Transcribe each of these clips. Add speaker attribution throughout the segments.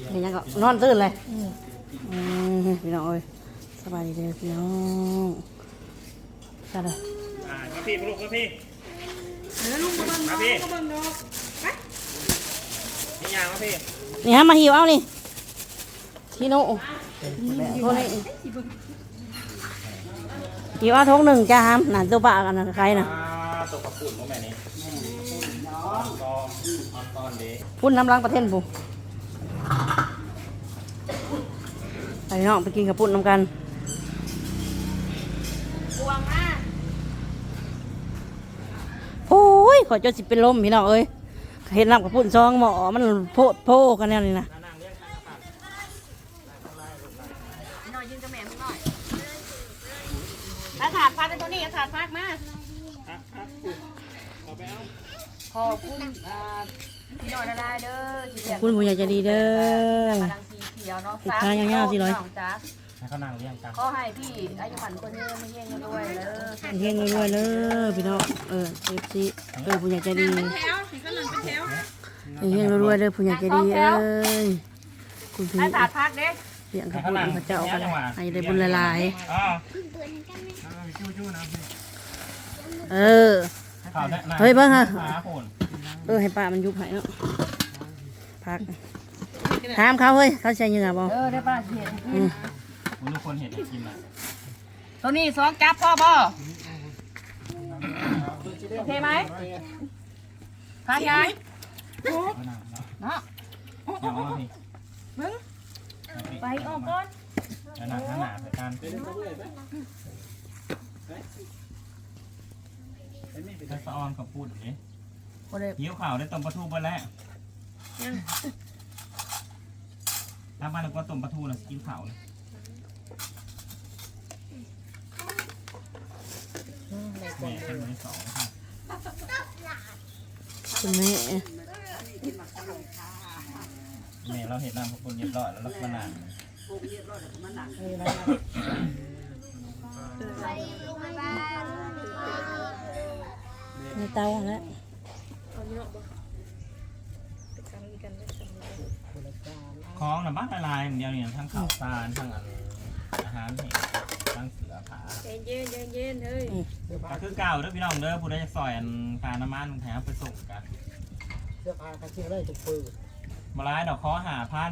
Speaker 1: เห็นยังก็นอนตื่นเลยพี่น้องเอ้ยสบายดีเลยพี่น้องจ้าเลย
Speaker 2: มาพี่ลูกมาพี่
Speaker 3: ลุงมาบังน้องมาบังน้องไป
Speaker 2: นี่ยางมาพี่
Speaker 1: นี่ฮะมาหิวเอานี่ที่โน่โทษเลยหิวเอาทงหนึ่งจ้าฮัมนั่นตัวปลากันนะใครนะ
Speaker 2: ตกกระปุ่นของแม่นี่ตอนเด็ก
Speaker 1: พุ่นน้ำล้างประเทศปุ๊ไปน้องไปกินกับพุ่นน้ำกันโอ้ยขอจนสิเป็นลมพี่น้องเอ้ยเห็นน้ำกับพุ่นซองหมอมันโพกันแน่นี่นะถาดพักในตัวนี้ถาดพักมา
Speaker 3: ขอบคุณพี่น้อยได้เด้อ
Speaker 1: คุณผู้ใหญ่ใจดีเด้อ
Speaker 3: ติดค้างยาวๆสิร้อย
Speaker 2: ให้เขานั่งเลี้ยงกัน
Speaker 3: ขอให้พี่อายุมันคนเยอะไม่เฮงด้วยเด้อ
Speaker 1: เฮงรวยเลยพี่น้องซีผู้ใหญ่ใจดีเฮงรวยเลยผู้ใหญ่ใจดีคุณพี่
Speaker 3: ถาดพักเด้
Speaker 1: เลี้ยงกับพระเจ้ากันให้ได้บุญหลายเฮ้ยเบิ้งฮะให้ป้ามันยุบหายเนาะพักถามเขาเฮ้ยเขาใช้ยังไงบ้าง
Speaker 3: ได้ป้าเห็น
Speaker 2: ทุกคนเห็นกินอ่ะ
Speaker 3: ตัวนี้ซองจับพ่อบ่โอเคไหมพายายเนาะมึงไปออกก่อน
Speaker 2: หนักขนาดในการถ้าสะออนกับพูดอย่างนี้หิวข่าวได้ต้มปลาทูไปแล้วถ้าบ้านเราก็ต้มปลาทูนะกินข่าวเลยแม่เป็นมือสอง
Speaker 1: คุณแม่
Speaker 2: เราเห็นน้ำพวกคนเรียบร้อยแล้วลักษณะ
Speaker 1: ในเตาแล้ว
Speaker 2: คล้องนะบ้านลายอย่างเดียวเนี่ยทั้งข้าวสารทั้งอาหารเห็ดทั้งเสือผา
Speaker 3: เย็นเฮ้ย
Speaker 2: ก็คือเก่าเด้อพี่น้องเด้อผู้ใดจะซอยพาน้ำมันแถมไปส่งกัน
Speaker 4: เสื้อผ้ากันเชื่อได้ทุกปืน
Speaker 2: มาล้ายดอกคอ5,000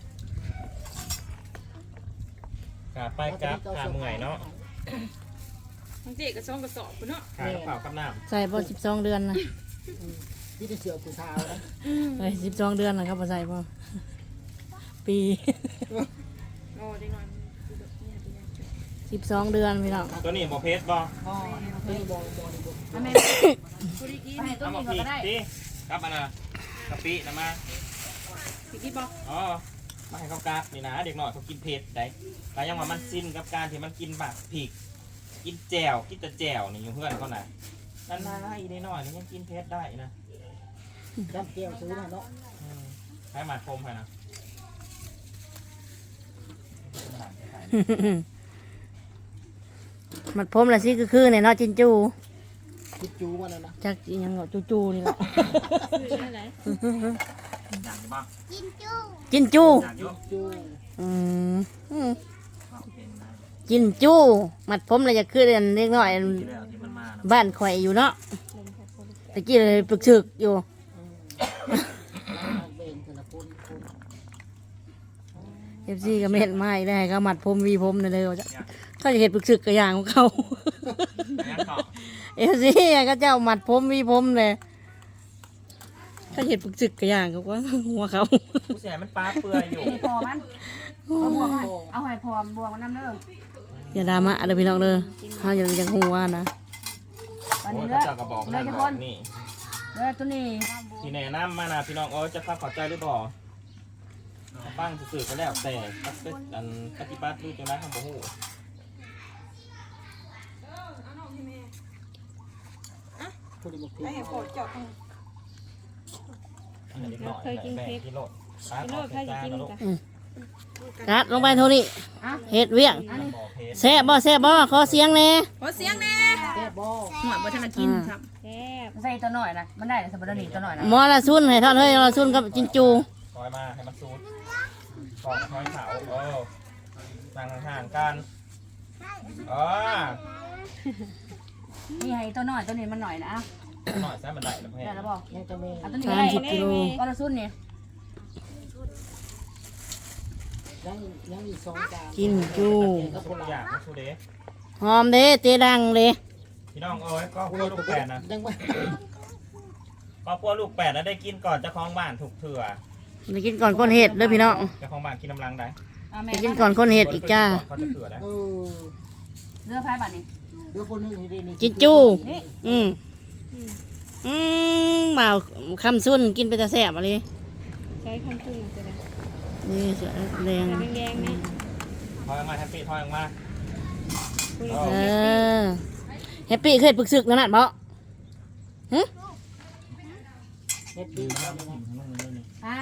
Speaker 2: กาไปกับขาเมื่อยเนาะ
Speaker 3: ทั้งเจ๊กับซองกระสอบเนาะ
Speaker 2: ขากระเป๋ากับน้
Speaker 1: ำใส่พอ12 เดือนนะ
Speaker 4: ที่จะเสือผู้ชายนะ
Speaker 1: 12 เดือนนะครับพอใส่พอปี12 เดือนพี่น้อง
Speaker 2: ตัวนี้บอเพชรบอ
Speaker 3: เอามาพริก
Speaker 2: ดิกับอันน่ะกะปินะมา
Speaker 3: พริกดิบอ
Speaker 2: อ๋อมาให้เขากราบนี่นะเด็กหน่อยเขากินเผ็ดได้แต่ยังว่ามันสิ้นกับการที่มันกินแบบผิกกินแจ่วกินแต่แจ่วนี่อยู่เพื่อนเขาไหนนั่นนะอีนี่หน่อยนี่ยังกินเผ็ดได้นะ
Speaker 4: จำเกี่ยวซื้อนะเนาะ
Speaker 2: ให้มาคมให้นะ
Speaker 1: มัดผมละสิคือเนี่ยเนาะจินจู
Speaker 4: วันนั้นนะ
Speaker 1: จักยังเนาะจูนี่แหละจินจูจินจูมัดผมเลยจะขึ้นเล็กน้อยบ้านข่อยอยู่เนาะตะกี้เลยปึกฉึกอยู่FC ก็เม็ดไม้ได้ก็มัดผมวีผมเลยเขาจะเห็นปึกฉึกกระยางของเขาFC ก็เจ้ามัดผมวีผมเลยเขาเห็นปึกฉึกกระยางเขาว่าหัวเขา
Speaker 2: ผู้ชายมันปลาเปื่อยอยู่
Speaker 3: พอมันเอาให้พอบวกมันน้ำเด้อ
Speaker 1: อย่าดราม่าเลยพี่น้องเลยเขายังหัวนะ
Speaker 2: ตอนนี้เลยจะบอกเลยทุกคนนี่
Speaker 3: ตัวนี้
Speaker 2: ที่แนะนำมานะพี่น้องจะพักขอใจหรือเปล่าฟังสื่อก็แล้วแต่ปฏิบัติดูจังไรทำบ่ฮู้
Speaker 3: ไอ้พอเจาะ
Speaker 2: เคยกินเค้กกิโล
Speaker 3: ใครจะกินกัน
Speaker 1: กัดลงไปเท่านี้เห็ดเวียงแซ่บบ่ขอเสียงแน่
Speaker 3: ขอเสียงแน่
Speaker 4: แซ่บบ่
Speaker 3: หน่อยบ่ทันกินครับแซ่บใส่ตัวหน่อยนะมันได้สมบูรณ์ตัวหน่อยนะ
Speaker 1: มอละซุนให้ทอดเฮ้ยมอละซุนกับจินจู
Speaker 2: ขออยมาให้มันซูดกองถอยเขานั่งห่างๆกัน
Speaker 3: นี่ให้ตัวน้อยตัวนี้มันหน่อยนะ
Speaker 2: หน่อยซะมันได้แล้วเพื่อน
Speaker 3: ได้แล้วบอก
Speaker 4: ยังจะมี
Speaker 3: เอาตัวนี้
Speaker 1: 30 กิโล
Speaker 3: ก็ละซุนนี่
Speaker 4: ยังอีก2 จาน
Speaker 1: กินจู
Speaker 2: ทุกอย่างนะชูเด
Speaker 1: หอมเด้เจดังเด้
Speaker 2: พี่น้องก็พวกลูกแปดนะ
Speaker 4: ยังไม่
Speaker 2: ก็พวกลูกแปดแล้วได้กินก่อนเจ้าของบ้านถูกเถื่อ
Speaker 1: ไปกินก่อนคนเห็ดเด้อพี่น้อง
Speaker 2: เจ้าของบ้านกินน้ำลังได้
Speaker 1: ไปกินก่อนคนเห็ดอีกจ้า
Speaker 2: เขาจะเถื่อได้
Speaker 3: เรือพายบัดนี้
Speaker 4: เดี๋ยวคนนึงให้ได้นี่
Speaker 1: กินจูบ่าวคำซุ่นกินไปแต่แสบอะไร
Speaker 5: ใช้คำพูดจะได้
Speaker 1: นี่เสือแดง
Speaker 5: แดงๆนะ
Speaker 2: ทอยออกมาแฮปปี้ทอยออกมา
Speaker 5: คุณ
Speaker 1: แฮปปี้เคยปรึกษึกนั่นน่ะบ่
Speaker 4: เฮ็ดดี
Speaker 3: อ้าว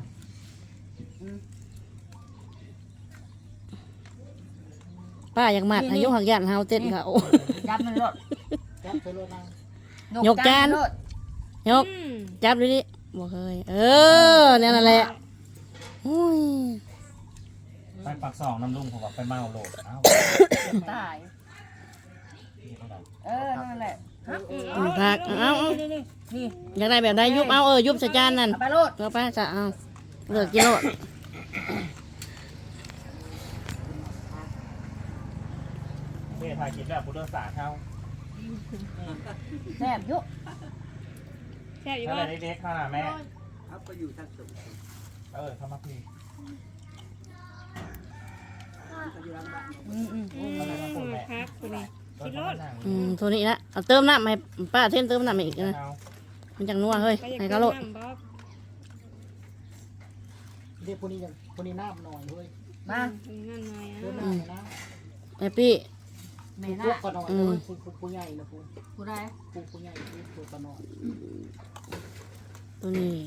Speaker 1: ป้าอยากมัดอายุหักยันเฮาเต้นเขา
Speaker 3: จับมันรถ
Speaker 4: จับใส่รถนั่ง
Speaker 1: ยกจาน
Speaker 3: รถ
Speaker 1: ยกจับดูดิบ่เคยเนี่ยนั่นแหละโอ้ย
Speaker 2: ไปปักสองน้ำลุงผมบอกไปเมาโหลดอ้าว
Speaker 3: ตายนั่นแหละ
Speaker 1: ผักเอา
Speaker 3: นี่
Speaker 1: อยากได้แบบใดยุบเอายุบใส่จานนั่น
Speaker 3: เอาไปรถ
Speaker 1: เอาไปจะเอาเลิกกินโลด
Speaker 2: นี่ถ่ายคลิปแบบพุทธศาสตร์เขา
Speaker 3: แซ่บยุก
Speaker 5: แซ่บอยู่
Speaker 2: ถ้า
Speaker 5: บ่
Speaker 2: อะไรเด็กๆเข้าหน่ะแม่เข้ามาพี่ เข้ามาพูดแม่
Speaker 5: พักคุณนี่กินรถ
Speaker 1: ตัวนี้ละเอาเติมน้ำให้ป้าเท่นเติมน้ำอีกนะมันจังนัวเฮ้ย
Speaker 5: ไปอยาก
Speaker 1: ให้
Speaker 5: กิน
Speaker 1: กะโลด
Speaker 5: น้ำบ๊อบ
Speaker 4: เดี๋ยวคนนี้ยังคนนี้น้ำหน่อยเว้ย
Speaker 3: มา
Speaker 5: นั่นหน่อย
Speaker 4: เดี๋ยว
Speaker 5: อ่ะ
Speaker 4: น้ำนะ
Speaker 1: แฮปปี้
Speaker 3: เม
Speaker 4: พ
Speaker 3: น่าว
Speaker 4: กก็หน่อยเลยผู้ใหญ่นะผู้
Speaker 3: ผู้ใด
Speaker 4: ผู้ใหญ่ผู้ก็หน่อย
Speaker 1: ตัวนี้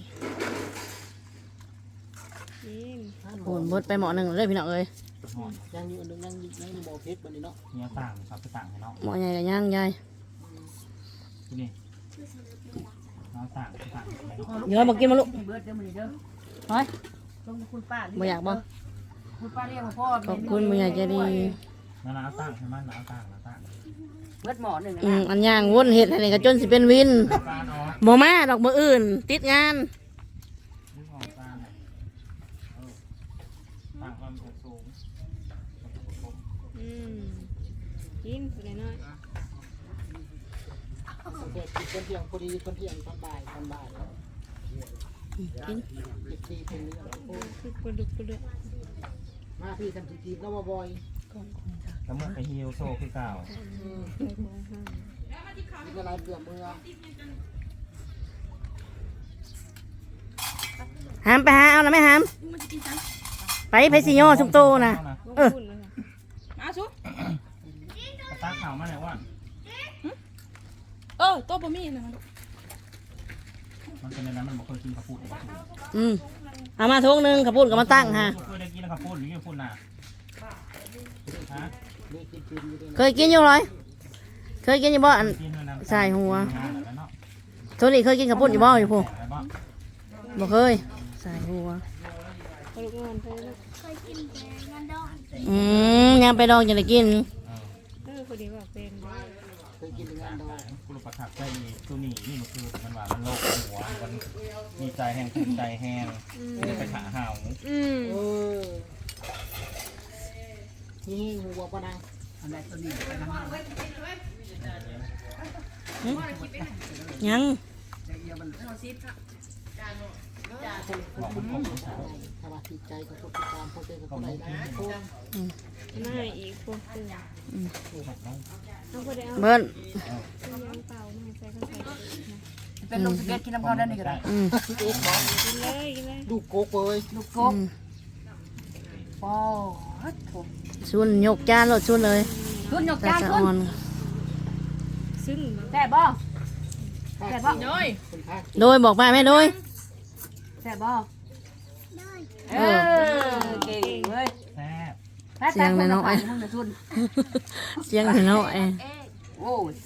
Speaker 5: กิน
Speaker 1: โหนบดไปหมอหนึ่งเลยพี่น้องเอ้ย
Speaker 4: ยังอยู่นึงยังอยู่บ่อเพชรบัดนี้เนาะ
Speaker 2: เนี่ยต่างครับไปต่างให้น้อง
Speaker 1: หมอใหญ่กับย่างยาย
Speaker 2: ที่นี่น้องต่างไปต่างให้น้อง
Speaker 1: เดี๋ยวบอกกินมาลูก
Speaker 3: เบิร์ดเด้อมื้อนี้เด้อ
Speaker 1: เฮ้ย
Speaker 3: ต้องคุณป้า
Speaker 1: บ่อยากบ่
Speaker 3: คุณป้าเรียกพ่อ
Speaker 1: ขอบคุณบ่อยากจะดี
Speaker 2: น้าต่างให้มันน้าต่าง
Speaker 3: เบิร์ดหมอหนึ่ง
Speaker 1: อันย่างวนเห็ดอะไรก็จนสิเป็นวิน
Speaker 2: ต่างเนาะ
Speaker 1: บ่มาดอกมืออื่น ติดงาน
Speaker 2: นี่ของต่างต่างความสูง
Speaker 5: กินตัวน้อย
Speaker 4: เด็กคนเที่ยงพอดีคนเที่ยงตอนบ่าย
Speaker 1: กิน
Speaker 4: เด็กที่เป็นเรื่อง
Speaker 5: คือปลาดุกปลาดุก
Speaker 4: มาพี่ทำสิจีบแล้วมาบ่อย
Speaker 2: แล้วมึงไปฮิวโซ่คือเก่า
Speaker 4: มีอะไรเบื่อเมื่อ
Speaker 1: หามไปหาเอานะแม่หามไปสิโยสุมโตนะ
Speaker 5: ลูกคุณเลยมาชุ
Speaker 2: กระตาข่าวมาไหนวะ
Speaker 5: โต๊ะบะหมี่นะ
Speaker 2: มันเป็นในนั้นมันบอกเคยกินข้าวปุ้น
Speaker 1: เอามาทุกนึงขับปุ่นกับมาตั้งฮะ
Speaker 2: เคยได้กินข้าวปุ้นหรือข้าวปุ้นน่ะฮะ
Speaker 4: นี่กินกินอยู่ด้วย
Speaker 1: เคยกินอยู่เลยเคยกินอยู่บ่อัน
Speaker 2: กินน้ำ
Speaker 1: ใส่หัวตัวนี้เคยกินขับปุ่นอยู่บ่อยู่พวกบ่เคยใส่หัว
Speaker 5: ปลาดุกงอนไปแล้ว
Speaker 1: ยังไปดองจะได้กิน
Speaker 5: คนดีว่าเป็น
Speaker 4: เคยกินงานดอง
Speaker 2: คุณประทับใจตัวนี้นี่มันคือมันว่ามันโลกหัวมันมีใจแห้งใจแห้งจะไปขาห่าว
Speaker 4: นี่หัวปะนาง
Speaker 3: อะไรตัวนี้
Speaker 1: ยัง
Speaker 2: บอกมันผมสาว
Speaker 4: สมาธิใจกับทุกการพอเจอกับคนไหนนะทุก
Speaker 5: น่าอีกพวกตัวเอาไปได้เอา
Speaker 1: เบิ้ล
Speaker 5: ยังเปล่าน่าใส่ข้าวใส่
Speaker 3: เป็นลงสเก็ตกินน้ำพอได้นี่ก็ได้
Speaker 5: กินเลยกินเลย
Speaker 4: ลูกโกกเลย
Speaker 3: ลูกกบโอ้โห
Speaker 1: ชุนยกจานรถชุนเลย
Speaker 3: ขึ้นยก
Speaker 1: ตา
Speaker 3: จาน
Speaker 1: สะ
Speaker 3: ขึ้
Speaker 1: อ่อน น
Speaker 5: ซึ่ง
Speaker 3: แซ่บบ่แซ่บบ่
Speaker 4: คนพา
Speaker 1: โดยบอกไปแม่โดย
Speaker 3: แซ่บบ่เก่งเว้ย
Speaker 2: แซ่บ
Speaker 1: เสียงน้อย เสียงน้อย
Speaker 3: โอ้ย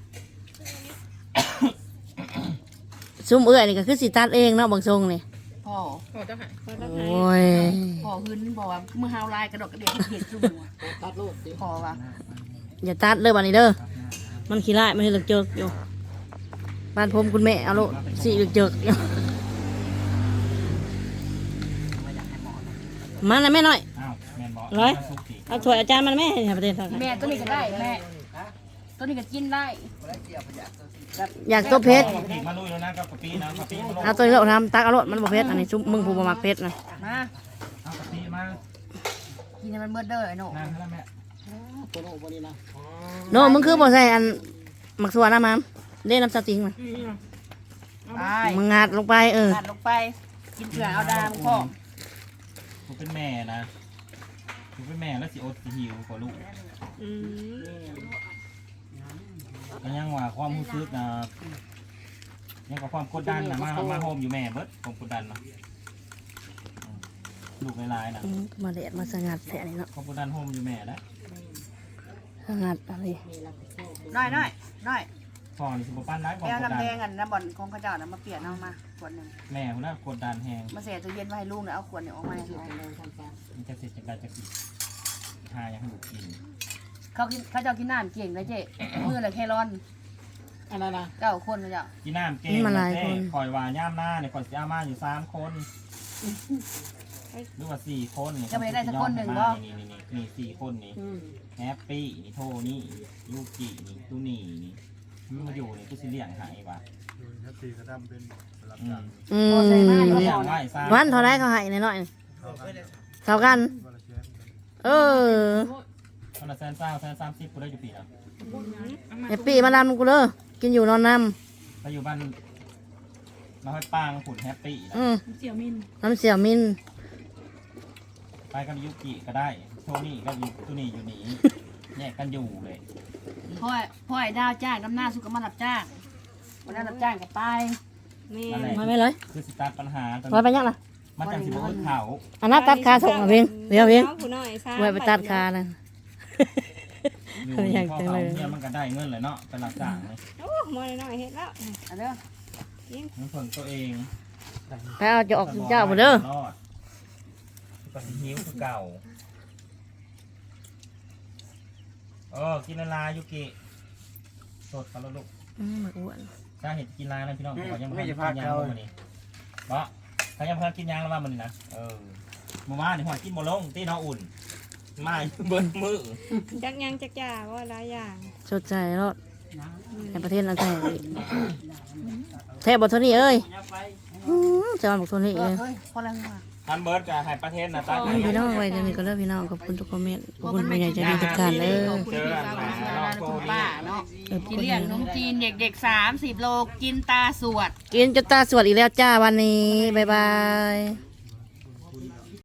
Speaker 1: ซุ่มเอื้อยนี่ก็คือสิตัดเองเนาะบางทรงนี่
Speaker 3: พอพ่อ
Speaker 5: พอเจ้าหายพอเจ้า
Speaker 1: โอ
Speaker 5: หาย้
Speaker 1: ย
Speaker 3: พ่อหึนบอกว่ามือเฮาลายกระดกกระเดียดเห็นจุ่มว่ะ
Speaker 4: ตัดโลดดิ
Speaker 3: พ่อว่า
Speaker 1: อย่าตัดเด้อบัดนี้เด้อมันขี้ร้ายมันให้เหลือกเจิกอยู่บ้านผมคุณแม่เอาโลดสิเหลือกเจิกอยู่มันนะแม่น้อย
Speaker 2: อ้าวแม่นบอก
Speaker 1: ร้อย
Speaker 2: สุกสิ
Speaker 1: เอาถ้วยอาจารย์มันแม่ให้ประเด็นทาง
Speaker 3: แม่ตัวนี้ก็ได้แม่ตัวนี้ก็กินได้
Speaker 1: อยากตัวเพชร
Speaker 2: อาพริกมาลุยแล้วนะกับกะปินะกะปิมาลง
Speaker 1: เอาตัวนี้เราทำตักเอาโลดมันบ่เพชรอันนี้ซุปมึงผู้บ่มักเพชรนะ
Speaker 3: มา
Speaker 2: เอากะปิมา
Speaker 3: กินให้มันเบิดเด้อไอ้หนู
Speaker 2: นั่งแล้วแม่
Speaker 4: ตัวโน้วันนี้นะ
Speaker 1: โน่มึงคือบ่ใส่อันหมักสัวน้ำมันเล่น้ำสติงมา
Speaker 3: ไป
Speaker 1: มึงงัดลงไป
Speaker 3: ตัดลงไป กินเกลือเอาดามพ่อ
Speaker 2: กูเป็นแม่นะกูเป็นแม่แล้วสิอดสิหิวกว่าลูก
Speaker 5: อืม
Speaker 2: ก็ยังว่าความรู้สึกนะยังกับความกดดันนะมาโฮมอยู่แม่เบิดความกดดันเนาะลูกหลายๆนะ
Speaker 1: มาเด็ดมาสงัดแท้นี่เนาะ
Speaker 2: ความกดดันโฮมอยู่แม่แล้ว
Speaker 1: สงัดอะไร
Speaker 3: น้อยน้อยน้อย
Speaker 2: พ่อนี่สิบปั้นร้ายความ
Speaker 3: แก้ว
Speaker 2: กดดั
Speaker 3: น้ำ
Speaker 2: น
Speaker 3: แดงกันน้ำบ่อนของข้าเจ้านะมาเปลี่ยนเอามาขวดหนึ่ง
Speaker 2: แม่คนนั้นกดดันแหง
Speaker 3: มาเสียตู้เย็นไว้ให้ลูกเนี่ยเอาขวดเนี่ยออกมาให้เขา
Speaker 2: มันจะเสร็จจากการจะกินทายังให้ลูกกิน
Speaker 3: เขาเจ้ากินน้ำเก่งนะเจ๊มือละแค่ร้อน
Speaker 4: อันนั้นนะ
Speaker 3: 9 คนเขาเจ้า
Speaker 2: กินน้ำเก่งคอยว่าย่ามหน้าเนี่ยคอยสิอามาอยู่3 คนหรือว่า4 คนนี่นี่4 คนนี่แฮปปี้นี่โทนี่ยูกินี่ตูนี่นี่มันมาอยู่นี่กูสิเลี้ยงหายว่ะ
Speaker 6: ถ้าตีก็ทำเป็นรับ
Speaker 2: อื
Speaker 6: จ้าม ง
Speaker 3: พอใส่มาอยู่
Speaker 2: เลี้ย
Speaker 3: ก่
Speaker 2: ง
Speaker 3: อน
Speaker 2: ไว้ซะ
Speaker 1: วันเท่าไรเขาให้หน่อย
Speaker 6: เข้ากัน
Speaker 1: เท่ากัน
Speaker 6: วันละแสน
Speaker 1: เออ
Speaker 2: คนละ130กูได้อยู่ปีแล้ว
Speaker 1: ไอ้ปีมาดำกูเลยกินอยู่นอนน้
Speaker 2: ไปอยู่บ้านเราให้ปางผุนแฮปปี้
Speaker 1: ำน้ำเสี่ยวมิน
Speaker 2: ไปกับยูกิก็ได้โทนี่ก็อยู่ตูนี่อยู่นี่แยกกันอยู่เลย
Speaker 3: พ่อไอ้ดาวจ้างน้ำหน้าสุกมารับจ้างวันนั้นรับจ้างกับไป
Speaker 5: แม่
Speaker 1: มาไม่เลย
Speaker 2: คือสตาร์ทปัญหาตอน
Speaker 1: ไว้ไปยังล่ะ
Speaker 2: มันจังสิบนเขา
Speaker 1: อันนั้นตัดขาส่งมาเพียงเดี๋ยวเพียง
Speaker 5: ผู้น้อยซ่า
Speaker 1: ไว้ไปตัดขานะ
Speaker 2: อยู่
Speaker 1: อยาก
Speaker 2: พ่อ
Speaker 1: จัง
Speaker 2: เขา
Speaker 1: เลย
Speaker 2: เนี่ยมันก็ได้เงินเลยเนาะเป็นหลักจ่างเลย
Speaker 5: โอ้มอน้อยเฮ็ดแล้ว
Speaker 3: เอาเด้อ
Speaker 2: มันเพิ่งตัวเอง
Speaker 1: ไปเอาจะออกเจ้าบ่เด้อ
Speaker 2: รอดก็สิหิวคือเก่ากินละลายยูกิสดกันแล้วลูก
Speaker 1: มาอ้วน
Speaker 2: ถ้าเห็นกินลายแล้วพี่น้องเขายังไม่ได้กินยางแล้วมันนี่เพราะเขายังพากินยางแล้วว่ามันนี่นะเมื่อวานนี่หัวกินโมลงตีน้องอุ่นมาเบิ้ลมือ
Speaker 5: จักยังจักจ่าว่าหลายอย่าง
Speaker 1: สดใจรอดในประเทศนั้นแท้แท้บทโทนี่เอ้ยจะมาบอกโทนี่เอ้ย
Speaker 3: เฮ้ยพอแล้วมา
Speaker 2: ทันเบิร์ดกับไฮประเทศนะตา
Speaker 1: พี่น้องไว้เดี๋ยวนี้ก็เลิกพี่น้องขอบคุณทุกคอมเมนต์ขอบคุณผู้ใหญ่ใจดีทุกท่านเลย
Speaker 3: ขอบคุณพี่สาวคุณสาวคุณป้าเนาะที่เลี้ยงนมจีนเด็กๆ30 โลกินตาสวด
Speaker 1: กินจนตาสวดอีกแล้วจ้าวันนี้บ๊ายบาย